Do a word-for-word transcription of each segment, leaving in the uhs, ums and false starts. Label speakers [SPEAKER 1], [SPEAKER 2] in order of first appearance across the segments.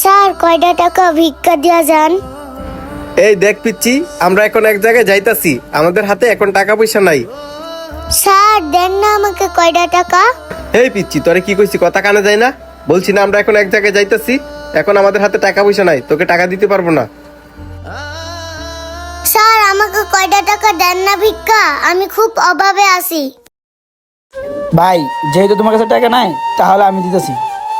[SPEAKER 1] Sir কয়টা টাকা ভিক্ষা দিয়া যান?
[SPEAKER 2] এই দেখ পিচ্ছি, আমরা এখন এক জায়গায় যাইতাছি, আমাদের হাতে এখন টাকা পয়সা নাই।
[SPEAKER 1] স্যার দেন না আমাকে কয়টা টাকা।
[SPEAKER 2] এই পিচ্ছি, তোরে কি কইছি কথা কানে যায় না? বলছি না আমরা এখন এক জায়গায় যাইতাছি, এখন আমাদের হাতে টাকা পয়সা নাই, তোকে টাকা দিতে পারবো না।
[SPEAKER 1] স্যার আমাকে কয়টা টাকা দেন না ভিক্ষা, আমি খুব অভাবে আছি।
[SPEAKER 3] ভাই যেহেতু তোমার কাছে টাকা নাই তাহলে আমি দিতেছি।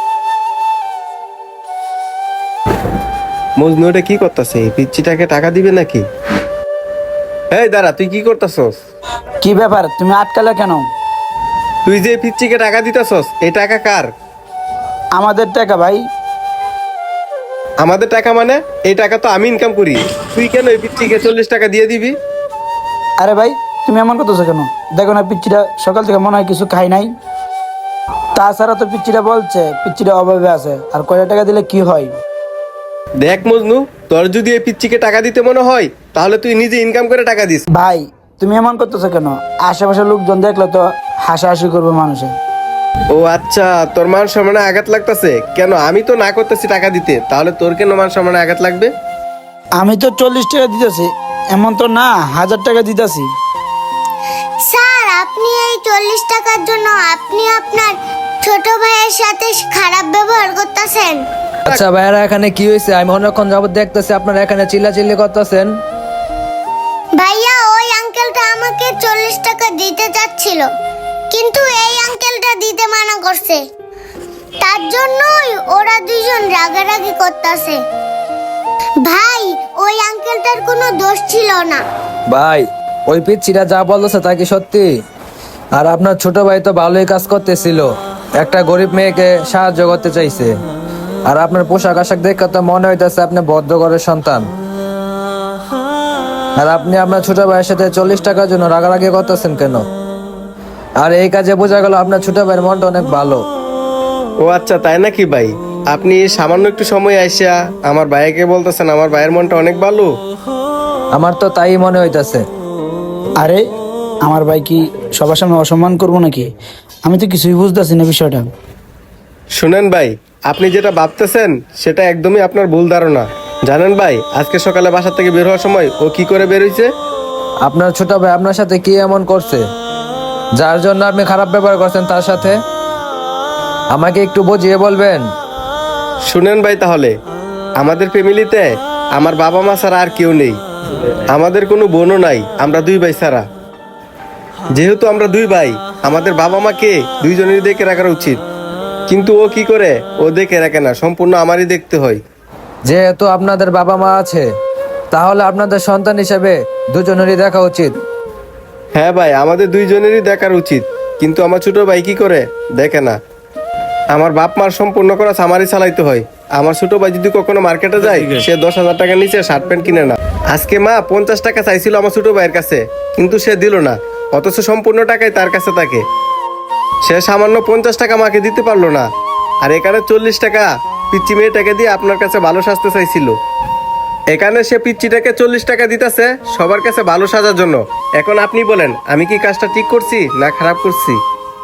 [SPEAKER 2] মজনু এটা কি করতেছে? পিচ্ছিটাকে টাকা দিবে নাকি? এই দাঁড়া, তুই কি করতেছস?
[SPEAKER 3] কি ব্যাপার, তুমি আটকালে কেন?
[SPEAKER 2] তুই যে পিচ্ছিকে টাকা দিতেছস, এই টাকা কার?
[SPEAKER 3] আমাদের টাকা ভাই।
[SPEAKER 2] আমাদের টাকা মানে? এই টাকা তো আমি ইনকাম করি, তুই কেন এই পিচ্ছিকে চল্লিশ টাকা দিয়ে দিবি?
[SPEAKER 3] আরে ভাই তুমি এমন করতেছো কেন? দেখো না পিচ্চিটা সকাল থেকে মনে হয় কিছু খাই নাই। তাছাড়া তো পিচ্চিটা বলছে পিচ্চিটা অভাবে আছে, আর কয়টা টাকা দিলে কি হয়?
[SPEAKER 2] দেখ মজনু, তোর যদি এই পিচ্ছিকে টাকা দিতে মনে হয় তাহলে তুই নিজে ইনকাম করে টাকা দিস।
[SPEAKER 3] ভাই তুমি এমন করতেছো কেন? আশেপাশের লোকজন দেখলে তো হাসাহাসি করবে মানুষে।
[SPEAKER 2] ও আচ্ছা, তোর মান সম্মানে আঘাত লাগতেছে কেন? আমি তো না করতেছি টাকা দিতে, তাহলে তোর কেন মান সম্মানে আঘাত লাগবে?
[SPEAKER 3] আমি তো চল্লিশ টাকা দিতেছি, এমন তো না হাজার টাকা দিতেছি।
[SPEAKER 1] স্যার আপনি এই চল্লিশ টাকার জন্য আপনি আপনার ছোট ভাইয়ের সাথে খারাপ ব্যবহার করতেছেন।
[SPEAKER 4] আচ্ছা ভাইয়ারা, এখানে কি হয়েছে? আমি অনেকক্ষণ যাবত দেখতেছি আপনারা এখানে চিল্লাচিল্লি করতেছেন।
[SPEAKER 1] ভাইয়া ওই আঙ্কেলটা আমাকে চল্লিশ টাকা দিতে চাচ্ছিল, কিন্তু এই আঙ্কেলটা দিতে মানা করছে, তার জন্যই ওরা দুইজন রাগারাগি করতেছে। ভাই ওই আঙ্কেলটার কোনো দোষ ছিল না।
[SPEAKER 4] ভাই ওই পিচ্ছিরা যা বলছে তা কি সত্যি? আর আপনার ছোট ভাই তো ভালোই কাজ করতেছিল, একটা গরিব মেয়েকে সাহায্য করতে চাইছে। আর আপনার পোশাক আশাক দেখে তো মনে হইতেছে আপনি ভদ্র ঘরের সন্তান। আর আপনি আপনার ছোট ভাইয়ের সাথে চল্লিশ টাকার জন্য রাগারাগি করতেছেন কেন? আর এই কাজে বোঝা গেল আপনার ছোট ভাইয়ের মনটা অনেক ভালো।
[SPEAKER 2] ও আচ্ছা, তাই নাকি ভাই? আপনি সামান্য একটু সময় আইসা আমার ভাইকে বলতেছেন আমার ভাইয়ের মনটা অনেক ভালো?
[SPEAKER 4] আমার তো তাই মনে হইতেছে।
[SPEAKER 3] আরে আমার ভাই কি সবার সামনে অসম্মান করবো নাকি? আমি তো কিছুই বুঝতেছি না বিষয়টা।
[SPEAKER 2] শুনেন ভাই, আপনি যেটা ভাবতেছেন সেটা একদমই আপনার ভুল ধারণা। জানেন ভাই, আজকে সকালে বাসা থেকে বের হওয়ার সময় ও কি করে বের হইছে?
[SPEAKER 4] আপনার ছোট ভাই আপনার সাথে কি এমন করছে যার জন্য আপনি খারাপ ব্যবহার করছেন তার সাথে? আমাকে একটু বুঝিয়ে বলবেন?
[SPEAKER 2] শুনেন ভাই, তাহলে আমাদের ফ্যামিলিতে আমার বাবা মা ছাড়া আর কেউ নেই, আমাদের কোনো বোনও নাই, আমরা দুই ভাই ছাড়া। যেহেতু আমরা দুই ভাই, আমাদের বাবা মাকে দুইজনেরই দেখে রাখা উচিত, কিন্তু ও কি করে? ও দেখে রাখে না, সম্পূর্ণ আমারই দেখতে হয়।
[SPEAKER 4] যেহেতু আপনাদের বাবা মা আছে, তাহলে আপনাদের সন্তান হিসেবে দুজনেরই দেখা উচিত।
[SPEAKER 2] হ্যাঁ ভাই, আমাদের দুইজনেরই দেখার উচিত, কিন্তু আমার ছোট ভাই কি করে দেখে না। আমার বাপ মার সম্পূর্ণ করা আমারই চালাইতে হয়। আমার ছোট ভাই যদি কখনো মার্কেটে যায়, সে দশ হাজার টাকা নিচে শার্ট প্যান্ট কিনে না। আজকে মা পঞ্চাশ টাকা চাইছিল আমার ছোট ভাইয়ের কাছে, কিন্তু সে দিল না, অথচ সম্পূর্ণ টাকাই তার কাছে থাকে। সে সামান্য পঞ্চাশ টাকা মাকে দিতে পারলো না, আর এখানে চল্লিশ টাকা পিচ্চি মেয়েটাকে দিয়ে আপনার কাছে ভালো সাজতে চাইছিল। এখানে সে পিচ্চিটাকে চল্লিশ টাকা দিতেছে সবার কাছে ভালো সাজার জন্য। এখন আপনি বলেন, আমি কি কাজটা ঠিক করছি না খারাপ করছি?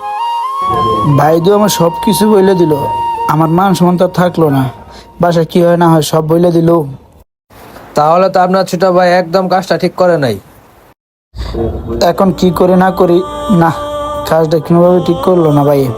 [SPEAKER 3] ভাই তো আমার সব কিছু বলে দিল, আমার মান সম্মান তো আর থাকলো না। বাসা কি হয় না হয় সব বলে দিল।
[SPEAKER 4] তাহলে তো আপনার ছোট ভাই একদম কাজটা ঠিক করে নাই।
[SPEAKER 3] এখন কি করে না করি, না কাজটা কোনোভাবে ঠিক করলো না ভাই।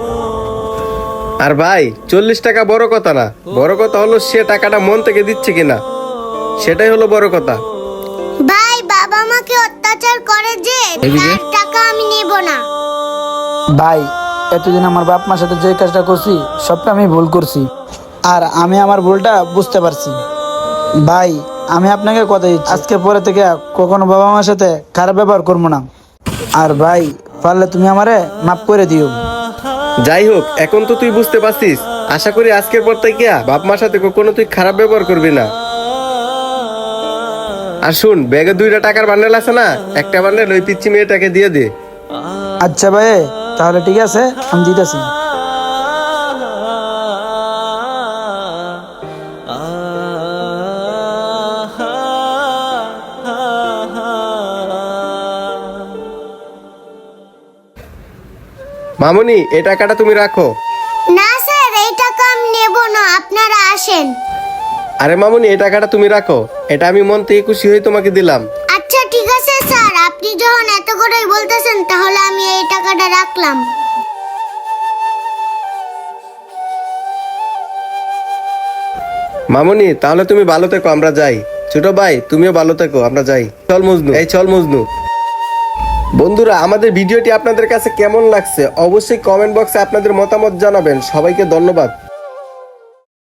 [SPEAKER 2] আর ভাই চল্লিশ টাকা বড় কথা না, বড় কথা হলো সে টাকাটা মন থেকে দিচ্ছে কিনা, সেটাই হলো বড় কথা।
[SPEAKER 1] ভাই বাবা মাকে অত্যাচার করে যে তার টাকা আমি নেব না।
[SPEAKER 3] ভাই এতদিন আমার বাপ মার সাথে যে কাজটা করছি সবটা আমি ভুল করছি, আর আমি আমার ভুলটা বুঝতে পারছি। ভাই আমি আপনাকে কথা দিচ্ছি, আজকে পরে থেকে কখনো বাবা মার সাথে খারাপ ব্যবহার করবো না। আর ভাই পারলে তুমি আমারে মাফ করে দিও।
[SPEAKER 2] যাই হোক, এখন তো তুই বুঝতে পারছিস, আশা করি আজকের পর থেকে বাপ মার সাথে কখনো তুই খারাপ ব্যবহার করবি না। আর শুন, ব্যাগে দুইটা টাকার বান্ডেল আছে না, একটা বান্ডেল ওই পিচ্চি মেয়েটাকে দিয়ে দে।
[SPEAKER 3] আচ্ছা ভাই তাহলে ঠিক আছে, আমি দিতেছি।
[SPEAKER 2] মামুনি, এই টাকাটা তুমি রাখো।
[SPEAKER 1] না স্যার এই টাকা আমি নেব না, আপনারা আসেন।
[SPEAKER 2] আরে মামুনি, এই টাকাটা তুমি রাখো, এটা আমি মন থেকে খুশি হয়ে তোমাকে দিলাম।
[SPEAKER 1] আচ্ছা ঠিক আছে স্যার, আপনি যখন এত করেই বলতেছেন তাহলে আমি এই টাকাটা রাখলাম।
[SPEAKER 2] মামুনি, তাহলে তুমি ভালো থেকো, আমরা যাই। ছোট ভাই, তুমিও ভালো থেকো, আমরা যাই। চল মজনু, এই চল মজনু। বন্ধুরা, আমাদের ভিডিওটি আপনাদের কাছে কেমন লাগছে অবশ্যই কমেন্ট বক্সে আপনাদের মতামত জানাবেন। সবাইকে ধন্যবাদ।